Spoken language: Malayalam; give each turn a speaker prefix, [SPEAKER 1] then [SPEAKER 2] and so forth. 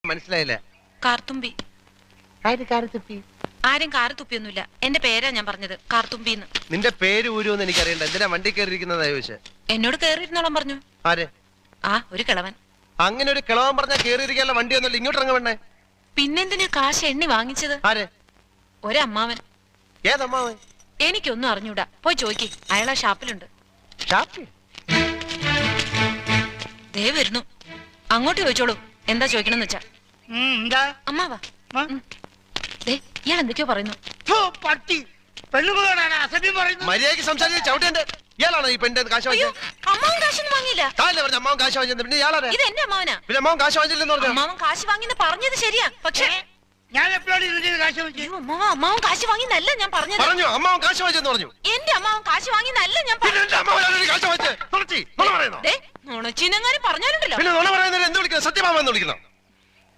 [SPEAKER 1] മനസ്സിലായില്ല.
[SPEAKER 2] കാർത്തുമ്പി. ആരും കാറ് തുപ്പിയൊന്നുമില്ല. എന്റെ പേരാ ഞാൻ പറഞ്ഞത്, കാർത്തുമ്പിന്ന്.
[SPEAKER 1] നിന്റെ പേര് ഊരുവെന്ന് എനിക്കറിയണ്ട. എന്തിനാ വണ്ടി കയറിയിരിക്കുന്നതാ ചോദിച്ചേ?
[SPEAKER 2] എന്നോട് കേറിയിരുന്നോളം പറഞ്ഞു.
[SPEAKER 1] ആരെ?
[SPEAKER 2] ആ, ഒരു കിളവൻ.
[SPEAKER 1] അങ്ങനെ ഒരു കിളവൻ പറഞ്ഞാ കേറിയിരിക്കാനുള്ള വണ്ടി ഒന്നുമില്ല. ഇങ്ങോട്ട് ഇറങ്ങ വേണ്ടേ?
[SPEAKER 2] പിന്നെന്തിനാ കാശ് എണ്ണി വാങ്ങിച്ചത്?
[SPEAKER 1] ആരെ?
[SPEAKER 2] ഒരമ്മാവൻ.
[SPEAKER 1] ഏതമ്മാവൻ?
[SPEAKER 2] എനിക്കൊന്നും അറിഞ്ഞൂടാ. പോയി ചോയ്ക്ക്, അയാളാ ഷാപ്പിലുണ്ട്. ദേ വരുന്നു. അങ്ങോട്ട് ചോദിച്ചോളൂ, എന്താ ചോദിക്കണമെന്ന് വെച്ചാ. അമ്മാവാ, ഇയാൾ എന്തൊക്കെയോ പറയുന്നു.
[SPEAKER 1] മര്യാദയ്ക്ക് സംസാരിച്ച് ചവിട്ടേണ്ട. ഇയാളാണോ ഈ പെണ്ണിന്റെ കാശ് വാങ്ങിച്ചത്?
[SPEAKER 2] അമ്മാവൻ കാശൊന്നും വാങ്ങിയില്ല.
[SPEAKER 1] അമ്മാവൻ കാശ് വാങ്ങിച്ചത്. പിന്നെ ഇയാളാരാ?
[SPEAKER 2] ഇത് എന്റെ അമ്മാവനാ.
[SPEAKER 1] പിന്നെ അമ്മാവൻ കാശ് വാങ്ങിച്ചില്ലെന്ന് പറഞ്ഞു.
[SPEAKER 2] അമ്മാവൻ കാശ് വാങ്ങിന്ന് പറഞ്ഞത് ശരിയാ, പക്ഷേ
[SPEAKER 3] ഞാൻ എപ്പോഴാണ് ഇതിന്റെ കാശ് വാങ്ങിച്ചത്?
[SPEAKER 2] അമ്മാവൻ കാശ് വാങ്ങിന്നല്ല ഞാൻ പറഞ്ഞത്.
[SPEAKER 1] പറഞ്ഞു അമ്മാവൻ കാശ് വാങ്ങിച്ചെന്ന് പറഞ്ഞു.
[SPEAKER 2] എന്റെ അമ്മാവൻ കാശ് വാങ്ങിന്നല്ല ഞാൻ
[SPEAKER 1] കാശ് വാങ്ങിച്ചത്.
[SPEAKER 2] നുണച്ചിനെങ്ങാനും പറഞ്ഞാലുണ്ടല്ലോ.
[SPEAKER 1] പിന്നെ നുണ പറയുന്നത് എന്ത് വിളിക്കണം? സത്യമാമെന്ന് വിളിക്കണം.